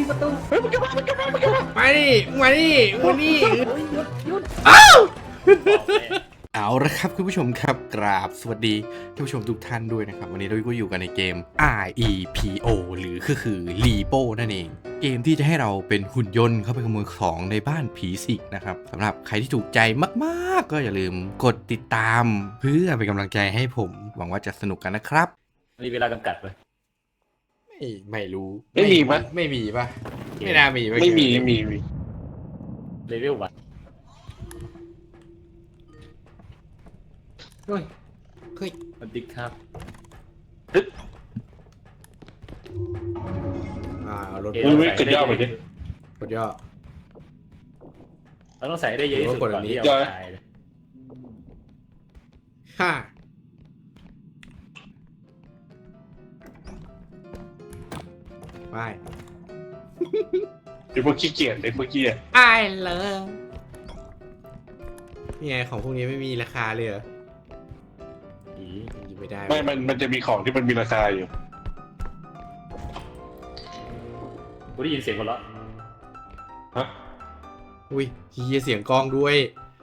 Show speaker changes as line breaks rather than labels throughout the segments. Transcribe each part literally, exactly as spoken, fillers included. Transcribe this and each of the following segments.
ประตู
เฮ้ยมันกลับมามันกลับมามันกลับมามาดิมาดิมาดิ
หยุดหยุด
อ้าวเอาละครับคุณผู้ชมครับกราบสวัสดีท่านผู้ชมทุกท่านด้วยนะครับวันนี้เราก็อยู่กันในเกม อาร์ อี พี โอ หรือก็คือ Repo นั่นเองเกมที่จะให้เราเป็นหุ่นยนต์เข้าไปขโมยของในบ้านผีสิงนะครับสำหรับใครที่ถูกใจมากๆก็อย่าลืมกดติดตามเพื่อเป็นกำลังใจให้ผมหวังว่าจะสนุกกันนะครับ
มีเวลาจำกัดไหม
ไม่ไม่รู้
ไม่มีปะ
ไม่มีปะไม่น่ามี
ไม่มีไม่มีมี
เลเวลวันเฮ้ย
เฮ้ย
สวัสดีครับ
อ่าเอารถ
เอ๊ะ
อุ้ยไม่กดย่อไปดิ
กดย่อ
เราต้องใส่ได้เยอะที่สุดก่อนที่เอาตายเลย
ฮ่าไป
ไอ้พวกขี้เกียจไอ้พวกเกียจ
ไอเลิฟนี่ไงของพวกนี้ไม่มีราคาเลยเหรอ
อี
หยิบไม่ได้
ไม่มันมันจะมีของที่มันมีราคาอยู่
กูได้ยินเสียงคนละ
ฮะ
อุ้ยเฮียเสียงกลองด้วย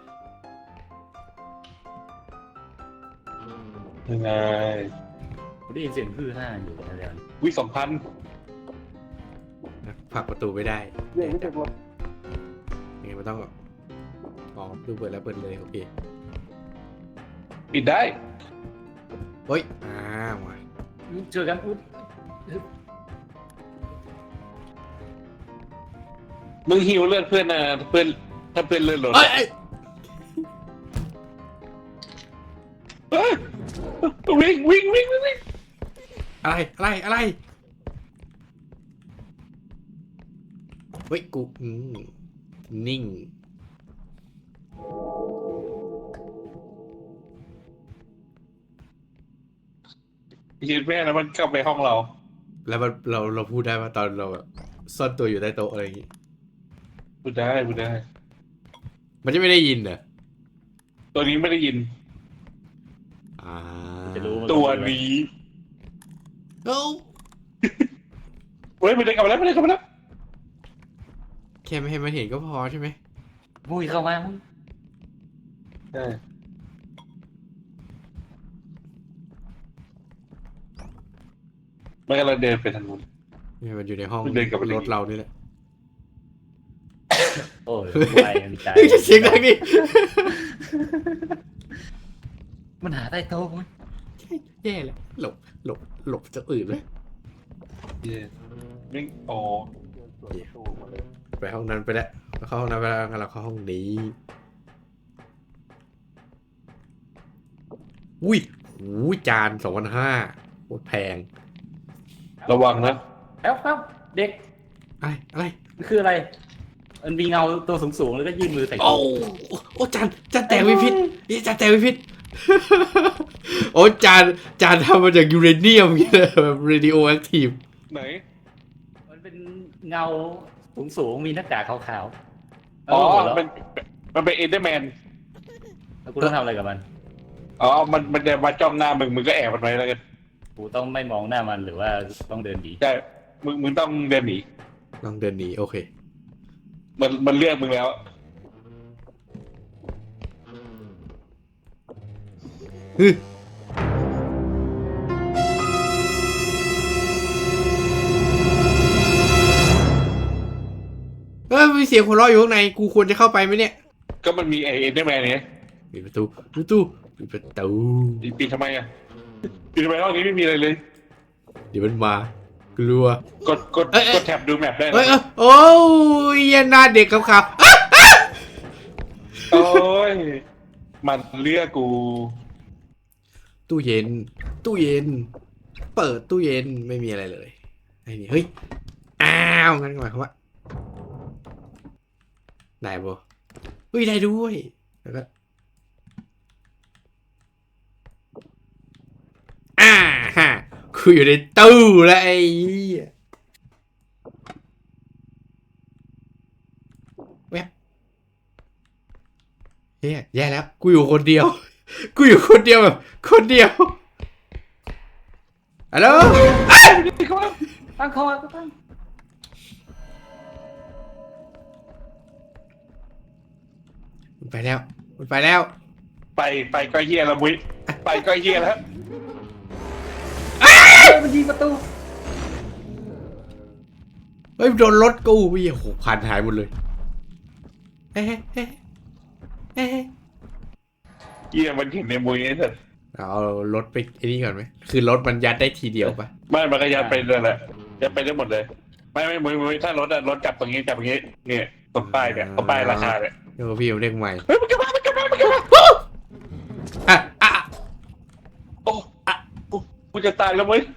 ยังไง
กูได้ยินเสียงฮือฮ่าอยู่แล้ว
วิสองพัน
ผลักประตูไม่ได้
เรื่องไม่เป็นไร
ยังไงมันต้องอ๋อดูเปิดแล้วเปิดเลยโอเค
ปิดได้
เฮ้ยอ้าวว่ะ
เจอกันอุ๊ด
มึงหิวเลือดเพื่อนนะเพื่อนถ้าเพื่อนเลือดลด
เอ้ยเอ้ย
เฮ้ยวิ่งวิ่งวิ่งวิ่ง
อะไรอะไรอะไรเฮ้ยกูอืมนิ่ง
ยืนแม่แล้วมันกลับไปห้องเรา
แล้วมันเราเราพูดได้ว่าตอนเราแบบซ่อนตัวอยู่ใต้โต๊ะอะไรอย่างงี้
พูดได้พูดได้
มันจะไม่ได้ยินเหรอ
ตัวนี้ไม่ได้ยิน
อ่า
จะรู้
ตัวนี้
เอ้า
เฮ้ยไม่ได้กลับมาแล้วไม่ได้กลับมาแล้ว
แค่ไม่ให้มันเห็นก็พอใช่ไหม
มุ้ยเข้ามามุ้ย
ใช่ไม่กำลังเดินไปทางนู้น
เนี่ยมันอยู่ในห้อง
มันเดินกลับไปเลย
รถเรานี่แหละ
โอ้ยไวมันใจ
เฮ้ยเสียงดังดิ
มันหาใต้โต๊ะมุ้ย
แย่เลยหลบหลบหลบจะอื่นเลย
เย้วิ่งอ๋อ
ไปห้องนั้นไปแล้วเราเข้าห้องนั้นไปแล้วงั้นเราเข้าห้องนี้อุ้ยอุ้ยจานสองพันห้าโคตรแพง
ระวังนะ
แล้วครับเด็ก
อะไรอะไร
มันคืออะไรมันมีเงาตัวสูงๆแล้วก็ยื่นมือใส่
โอ้โอ้จานจานแตกวิพิษนี่จานแตกวิพิษ โอ้จานจานทำมาจากยูเรเนียมอย่างเงี้ยแบบเรดิโอแอคทีฟ
ไหน
มันเป็นเงาสูงๆมีหน้ากากขาวๆ
อ๋อ
แล้ว
มันมันเป็นเอเดอร์แมน
แล้วกูต้องทำอะไรกับมัน
อ๋อ มันมันจะมาจ้องหน้ามึง มึงก็แอบมันไว้แล้วกัน
กูต้องไม่มองหน้ามันหรือว่าต้องเดินหนี
ใช่ มึง มึงต้องเดินหนี
ลองเดินหนีโอเค
มัน มันเลือกมึงแล้ว
ฮึเฮ้ยมีเสียงหัวเราะอยู่ข้างในกูควรจะเข้าไปไหมเนี่ย
ก็มันมีไอเอเดอร์แมนเนี่ย
ปิดประตูปิดประตูปิดประตู
ปีนทำไมอ่ะปีนทำไมห้องนี้ไม่มีอะไรเลย
เดี๋ยวมันมากลัว
กด กด
เอ้ยเอ้ย
กดแท็บดูแมปได้
เอ้ย
นะ
เอ้ยโอ้ยหน้าเด็กขาวๆอ๊ะ
โอ้ย มันเลือกกู
ตู้เย็น ตู้เย็น เปิดตู้เย็นไม่มีอะไรเลยไอ้นี่เฮ้ยอ้าวงั้นหมายความว่าได้บ่เฮ้ยได้ด้วยแล้วก็อ่าฮะกูอยู่ในตู้แล้วไอ้เหี้ยแวบเฮ้ยแย่แล้วกูอยู่คนเดียว กูอยู่คนเดียวแบบคนเดียวฮัลโหล
ตั้งคอตั้ง
ไปแล้วมันไปแล้ว
ไปไปก็เฮียแล้วมุ้ยไปก็เฮียแล้ว
มันยิงประตู
เฮ้ยโดนรถกูเหี้ยโหพันหายหมดเลยเอ๊ะเอ๊ะเอ๊ะ
เฮียมันเห็นในมุ้ยนี่เถอะ
เอารถไปไอ้นี่ก่อนไหมคือรถมันยัดได้ทีเดียวปะ
ไม่มันก็ยัดไปเลยแหละยัดไปได้หมดเลยไม่ไม่มุ้ยมุ้ยถ้ารถอะรถจับตรงนี้จับตรงนี้เนี่ยตรงป้ายเนี่ยตรงป้ายราคาเนี่ย
เดี๋ยวพี่เอาเรียกใหม่
เฮ้ยมันกลับมามันกลับมามันกลับมา
อ่ะอ่ะ
โอ้อะกูกูจะตายแล้วมุ้ย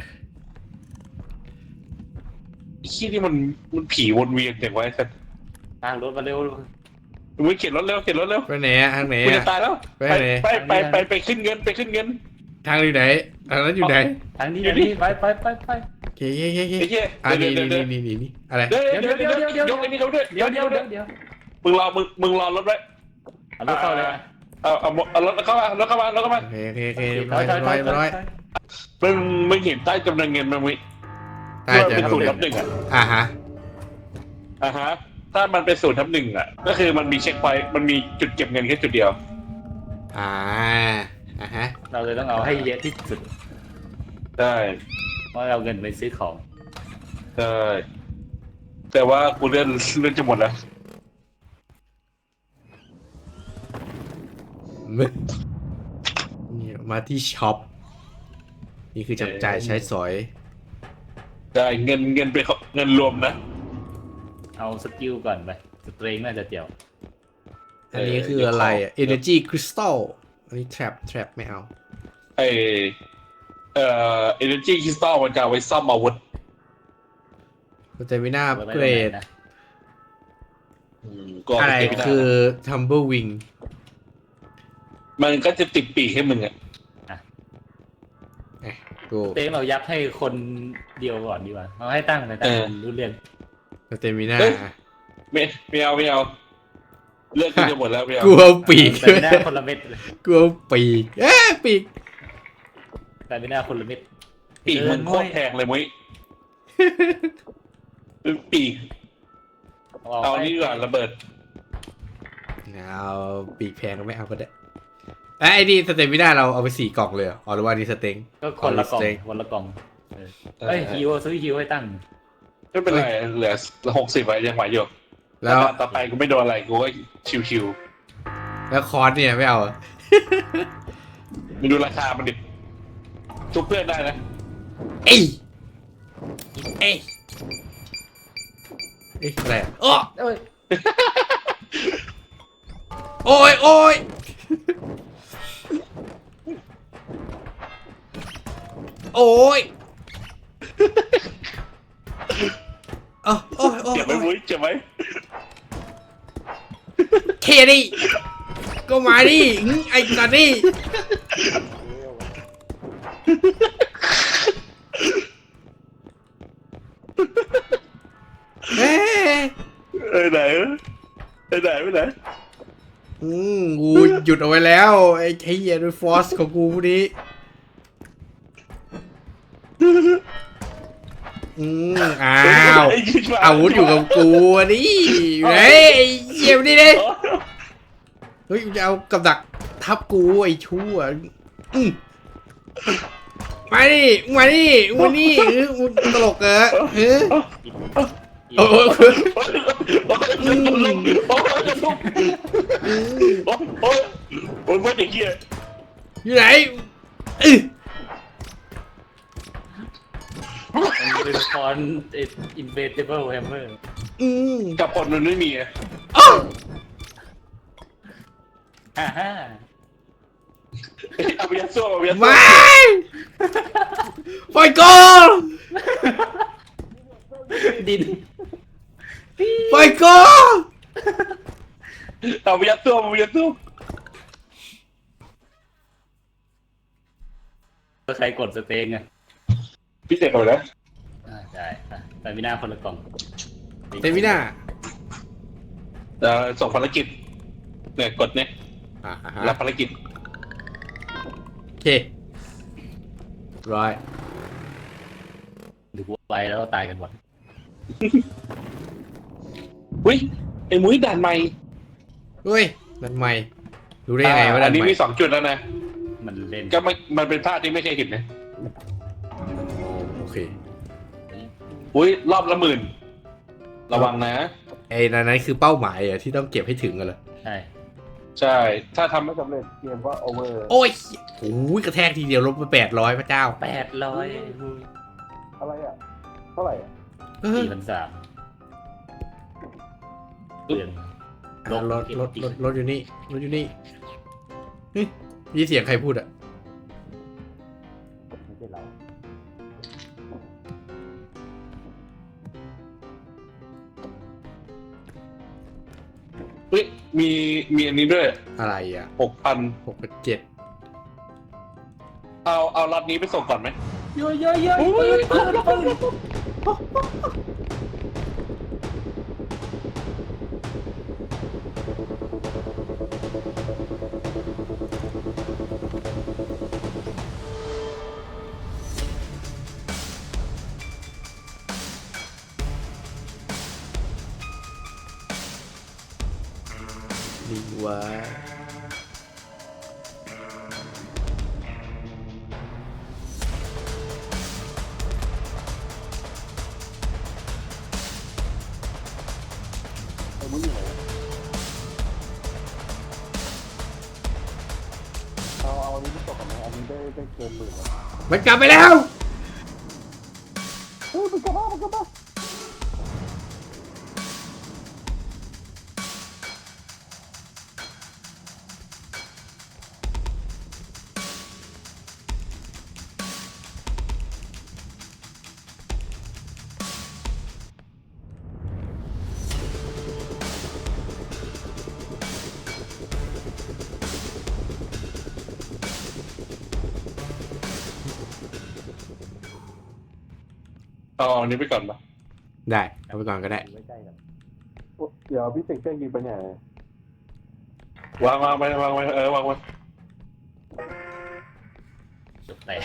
ไอ้ขี้นี่มันมันผีวนเวียนอย่างไว้สัตว์
ทางรถมาเร็ว
มุ้ยเข็นรถเร็วเข็นรถเร็ว
ไปไหนอะทางไหน
กู
อะ
จะตายแล้ว
ไป
ไป
ไหน
ไปไปไปไปขึ้นเงินไปขึ้นเงิน
ทางอยู่ไหนทางนั้นอยู่ไหน
ทางนี้ทางนี้ไปไปไปไป
โอเคโอเคโอเค
ไอ้เหี้ย
อ่ะ
เดี๋
นี่
ยวเดี๋ยว
นี่
เดี๋ยว
นี่นี่นี่อะไร
เดี๋ยวเดี๋ยวเดี๋ยวเดี๋ยวยกไอ้นี่เขาด้วย
เดี๋ยวเดี๋ยวเดี๋ยวเดี๋ยว
มึงรอมึงมึงรอรถไว้
เอารถเข้าเลย
เอาเอาเอารถเข้ามารถเข้ามารถเข้ามา
โอเคโอเคโอเค
ถ
ร้
อ
อย ย
ถอยถ
ร้
อ
อย ยร้อย
มึงมึงเห็นใต้จำนวนเงินมั้ยมึง
ใต้จะ
เป็น
ดู
ศูนย์
เล
ทับหนึ่งอ่ะ
อ่ะฮะ
อ่าฮะถ้ามันเป็นศูนย์ทับหนึ่งอ่ะก็คือมันมีเช็คพอยต์มันมีจุดเก็บเงินแค่จุดเดียว
อ่าอ่ะฮะ
เราเลยต้องเอาให้เยอะที่สุด
ใช่
เพราะเราเงินไปซื้อของ
ใช่แต่ว่ากูเลื่อนเลื่อนจะหมดแล้ว
มึงนี่มาที่ช็อปนี่คือจับจ่ายใช้สอย
ใช่เงินเงินเป็นเงินรวมนะ
เอาสกิลก่อนไปสเตรงน่าจะเจียว
อันนี้คืออะไรอ่ะ energy crystal อันนี้ trap trap ไม่เอา
ไอเอ่อ energy crystal มันจะเอาไว้ซ่อมอาวุธ
สเตมิน่าเกรด
นะ
อืมก็
อะไร
เก็บไม่ได้
คือ tumble wing
มันก็จะติดปีกให้มึงอ่ะ
เอ๊ะกู
เต็งเรายัดให้คนเดียวก่อนดีกว่าเอาให้ตั้งแต่ตั้งคนรู้เรื่อง
สเตมิน่า
ไม่ไม่เอาไม่เอาเลือกกูจะหมดแล้วไม่เอา
กูเอาปีก
แต่ไม่น่าคนละเม็ดเลย
กูเอาปีกเอ๊ะปีก
แต่ไม่น่าคนละเม็ด
ปีกมึงโคตรแพงเลยมุ้ยปีกเอานี่ก่อนระเบิด
เอาปีกแพงก็ไม่เอาก็ได้ไอ้นี่สเตมิน่าเราเอาไปสี่กล่องเลยเหรออ๋อหรือว่านี่สเต็ง
ก็คนละกล่องคนละกล่องเอ้ยฮิวซื้อฮิวให้ตั้ง
ไม่เป็นไรเหลือหกสิบไว้ยังไหวอยู่
แล้ว
ต่อไปกูไม่โดนอะไรกูก็ชิว
แล้วคอร์สเนี่ยไม่เอาเหรอ
ๆมึงดูราคามันดิทุกเพื่อนได้นะ
เอ้ยเอ้ยเอ้ยอะไรอ่ะโอ้
เอ้ย
โอ้ยโอ้ยโอ้ยโอ้โอ้ยโอ้ย
เจ็บไหมมุ้ยเจ็บไหม
เคดิก็มาดิอื้อไอ้สัตว์นี่เฮ้ย
เออไหนเออไหนไปไหน
อืมกูหยุดเอาไว้แล้วไอ้ไอ้เหี้ยด้วยฟอสของกูพวกนี้อืมอ้าวอาวุธอยู่กับกูอ่ะดิเฮ้ยไอ้เหี้ยนี่ดิเฮ้ยจะเอากับดักทับกูไอ้ชั่วอืมมาดิมาดิมาดิเออมึงตลกเหรอเฮ้ยโอ้โห
โอ้ยโอ้ยโอ้ยโอ้ยโอ้ยว่าเด็กเหี้ย
อยู่ไหนอื้อ
มันเป็นคอนอินเวสติเบิลแฮมเมอร์
อืม
กับคนมันไม่มีอะ
อ้าว
ฮ่าฮ่า
เอาไปยัดซ่วมเอาไปยัดซ่ว
ไม่
ม
ปล่อยก่อน
ดิน
ปล่อยก่อน
เอาไปยัดซ่วมเอาไปยัดซ่วม
ใครกดสเตงอ่ะ
พี่เสกเอาเลย
อ่าได้แต่ไม่น่าคนละกล่อง
เตมิน่า
เอ่อส่งภารกิจเนี่ยกดเนี่ย
อ่าฮะ
รับภารกิจ
โอเคร้อย
ดูไปแล้วตายกันหมด
อุ้ยไอ้มุ้ยด่านใหม่
เฮ้ยนั่นไม่รู้ได้ยังไงว่า
อั
ด้าน น
นี้
ใหม่
มีสองจุดแล้วนะ
มันเล่น
ก็ไม่มันเป็นภาพที่ไม่เคยเห็นนะ
โอเค
อุ้ยรอบละหมื่นระวังนะ
ไอ้นั่นนั้นคือเป้าหมายอะที่ต้องเก็บให้ถึงกันเลย
ใช่
ใช่ ถ้าทำไม่สำเร็จเกมก็โอเวอร์
โอ้ยโอ้ยกระแทกทีเดียวลบไปแปดร้อยพระเจ้า
แปดร้อย
อะไรอ่ะ เท่าไหร่อ่ะ
เออ
สี่พันสามเปลี่ยน
อ่ะรถรถรถรถอยู่นี่รถอยู่นี่เฮ้ยมีเสียงใครพูดอะ
ไม่ใช่เรา
เฮ้ยมีมีอันนี้ด้วย
อะไรอะ
หกพัน
หกเจ็ด
เอาเอาล็อตนี้ไปส่งก่อนไหม
เยอะเยอะเยอะปืนปืนปืน
ดีวะ
ไอ้มึงอยู่ไหนเอาเอาอันนี้ไปส่งก่อนไหมอันนี้ได้ได้เกินหมื่นแล้ว
มันกลับไปแล้ว
เฮ้ยมันกลับมามันกลับมา เอาอันนี้ไปก่อนปะ
ได้เอาไปก่อนก็ได้
ไว้ใกล้กัน
เดี๋ยวพี่เสกเครื่องยิงไปไหนวางวางไปวางไว้เออวางไว้
จบแตก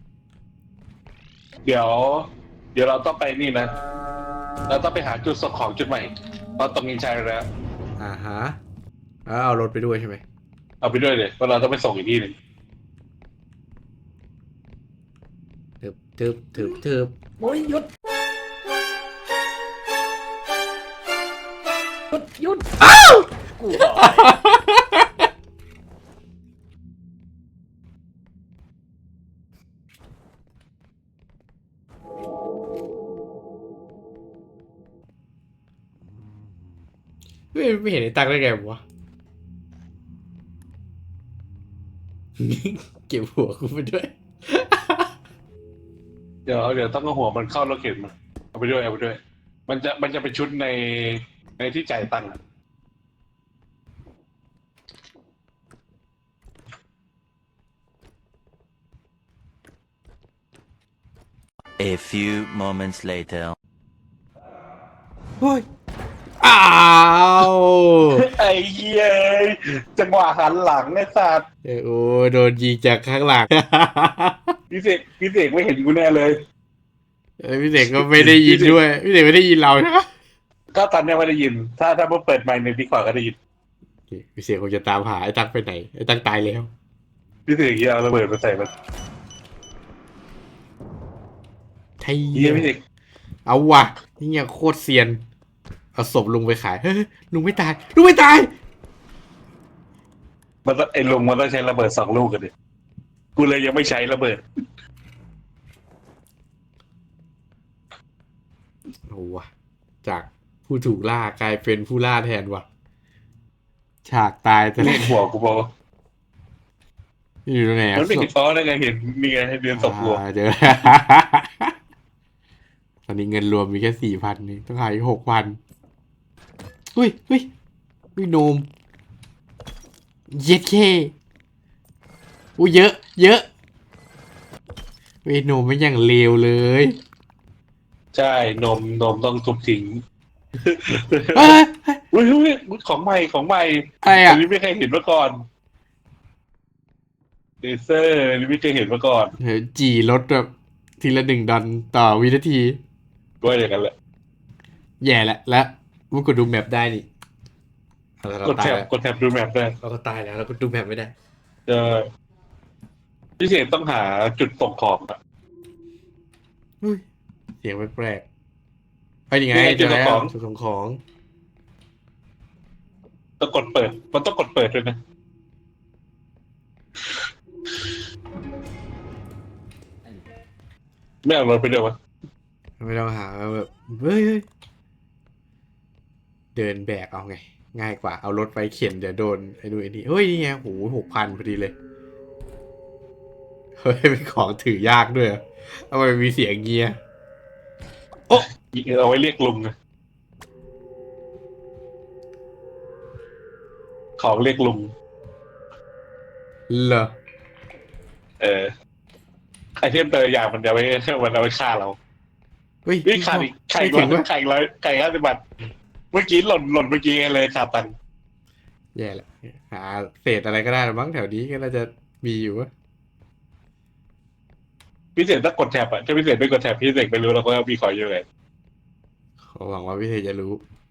เดี๋ยว เดี๋ยวเราต้องไปนี่นะ เราต้องไปหาจุดส่งของจุดใหม่เพราะตรงนี้ใช้แล้ว
อ่าฮะแล้วเอารถไปด้วยใช่ไหม
เอาไปด้วยเลยเพราะเราต้องไปส่งอีกที่หนึ่ง
ทึบทึบทึบทึบ
โอ้ยหยุดหยุดหยุดอ้าวกูบอก
ไม่ไม่เห็นไอ้ตังได้ไงวะ เก็บหัวกูไปด้วย
เดี๋ยวเดี๋ยวต้องเอาหัวมันเข้ารถเข็นมาเอาไปด้วยเอาไปด้วย มันจะมันจะเป็นชุดในในที่จ่ายตังค์อะ
A few moments later.
เฮ้ย อ้าว
ไอ้เหี้ยจังหวะหันหลังไอ้สัตว์
เอ้ยโอ้โดนยิงจากข้างหลัง
พี่เสกพี่เสกไม่เห็นกูแน่เลย
เอ้ยพี่เด็กก็ไม่ได้ยินด้วย พี่เด็กไม่ได้ยินเรานะ
ก็ตอนเนี้ยไม่ได้ยิน ถ้าถ้าเมื่อเปิดไมค์ในดีกว่าก็ได้ยิน
โอเคพี่เสียคงจะตามหาไอ้ตังไปไหน ไอ้ตังตายแล้ว
พี่เสกเหี้ยเอาระเบิดมาใส่มัน
ไทย
เหี้ยพี่เสก
เอาว่ะนี่ยังโคตรเซียน เอาศพลุงไปขาย เฮ้ยลุงไม่ตาย ลุงไม่ตาย
มันต้องไอ้ลุงมันต้องใช้ระเบิดสองลูกกันดิกูเลยยังไม่ใช้ระเบิด
โอ้ว่ะจากผู้ถูกล่ากลายเป็นผู้ล่าแทนว่ะ ฉากตายแต่
เล่นหัวกูบอก
อยู่ตรงไหนอะ
มันไม่เห็นฟ้อได้ไงเห็นนี่ไงให้เดือนสองหัว
อ่าเดี๋ยว ตอนนี้เงินรวมมีแค่สี่พันนี่ต้องหาอีกหกพันอุ้ยอุ้ยอุ้ยโนม เย็ดเคอุ้ยเยอะ เยอะเวยโนมไม่อย่างเลวเลย
ใช่นมนมต้องทุบทิ้ง
เอ้ยเอ้ย
อุ้ยอุ้ยของใหม่ของใหม่
อะไร
อั
อ่ะ
นนี้ไม่เคยเห็นมาก่อนเลเซอร์อันนี้ไม่เคยเห็นมาก่อน
เฮ้ยจีลดแบบทีละหนึ่งดอลต่อวินาที
ด้วยอย่างนั้นแหละ
แย่ละแล้วมึงกดดูแมปได้นี่เรา
กด
ตาย
แท็บ
แล้ว
กดแท็บดูแมปได้
เราก็ตายแล้วเราก็ดูแมปไม่ได้
เจอพิเศษต้องหาจุดส่งของอะ
อุ้ยเสียงแปลกๆไปยังไง
นี่ไง
เจอแล้ว
จุดส่งของ
จุดส่งของ
ต้องกดเปิด มันต้องกดเปิดด้วยนะไม่เอารถไปด้วยวะ
ไม่ต้องหาแบบเฮ้ยเฮ้ยเดินแบกเอาไง ง่ายกว่าเอารถไปเข็นเดี๋ยวโดนไอ้ดูไอ้นี่เฮ้ยนี่ไงโหหกพันพอดีเลยเฮ้ยเป็นของถือยากด้วยเหรอทำไมมีเสียงเงี้ย
เอาไว้เรียกลุงอะของเรียกลุง
เหรอ
เออไอเทมแต่ละอย่างมันจะไว้มันเอาไว้ฆ่าเรา
เฮ้ย
นี่ขาดอีกไข่
ไม่
ร้
ถึ
อย
งวะ
ไข่ร้อยไข่ห้าสิบบาทเมื่อกี้หล่นหล่นเมื่อกี้เลยขาดตังค์
แย่แหละหาเศษอะไรก็ได้มั้งแถวนี้ก็น่าจะมีอยู่วะ
พิเศษต้องกดแท็บอะถ้าพิเศษไม่กดแท็บพิเศษไม่รู้เราก็มีของเยอะเลย
ขอหวังว่าพี่เทจะรู้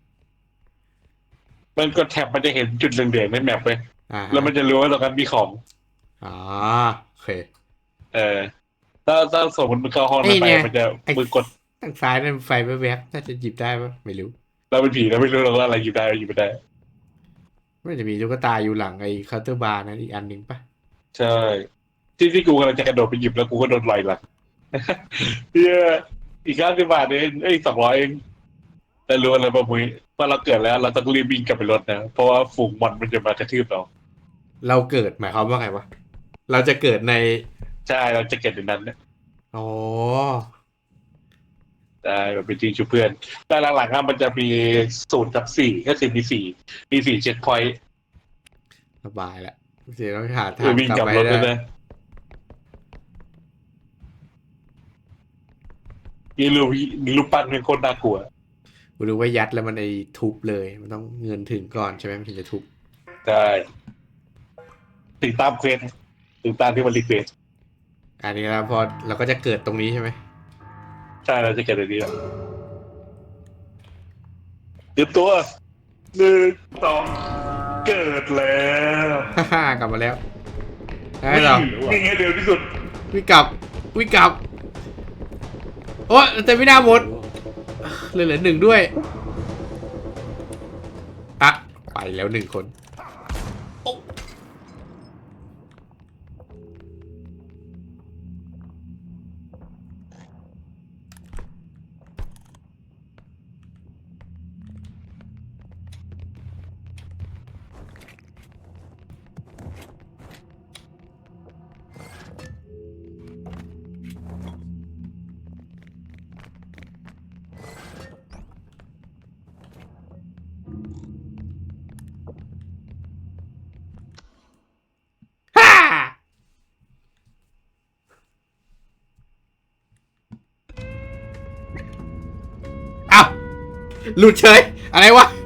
มันกดแท็บมันจะเห็นจุดเหลืองๆในแมปเลย
อ่าฮะ
แล้วมันจะรู้ว่าตรงนั้นมีของ
อ๋อโอเค
เออถ้าถ้าสมมติมึงเข้าห้อง
ไอ้
นั้นไป
เนี่ย
มันจะ
ไอ้
มึงกด
ทางซ้ายนั่นไฟแวบๆน่าจะหยิบได้ปะไม่รู้
เราเป็นผีเราไม่รู้เราว่าอะไรหยิบได้หยิบไม่ได้
ไม่จะมีตุ๊กตาอยู่หลังไอ้เคาน์เตอร์บาร์นั้นอีกอันหนึ่งปะ
ใช่ที่ที่กูกำลังจะกระโดดไปหยิบแล้วกูก็โดนลอยหลัง เฮียอีกห้าสิบบาทเองเอ้ยสองร้อยเองแต่รู้อะไรป่ะมุ้ยว่าเราเกิดแล้ว เราต้องรีบวิ่งกลับไปรถนะเพราะว่าฝูงมันมันจะมากระทืบเรา
เราเกิดหมายความว่าไงวะเราจะเกิดใน
ใช่เราจะเกิดในนั้นนะ
อ๋อ
ได้แบบเป็นจริงชูเพื่อน แต่หลังๆอะมันจะมีศูนย์กับสี่ก็คือมีสี่มีสี่เช็คพอยต์
สบายละเสียต้องหา
เอ
ทา
อง วิ่ง
กลับ
กลับ
ไป
รถ
ได้
ด้วยนะมีรูปมีรูปปั้นเป็นคนน่ากลัว
กูรู้ว่ายัดแล้วมันไอ้ทุบเลย มันต้องเงินถึงก่อนใช่ไหมมันถึงจะทุบ
ใช่ถึงตามเควสถึงตามที่มันรีเควส
อันนี้แล้วพอเราก็จะเกิดตรงนี้ใช่ไหม
ใช่เราจะเกิดอะไรนี้แล้วเตรียมตัวหนึ่งสองเกิดแล้ว
ฮ่าฮ่ากลับมาแล้วได้เหรอ
วิ่งให้เร็วที่สุด
วิ่งกลับวิ่งกลับโอ้แต่ไม่น่าหมดเหลือเหลือหนึ่งด้วยอ่ะไปแล้วหนึ่งคนโอ๊ะฮ่าอ้าวหลุดเฉยอะไรวะ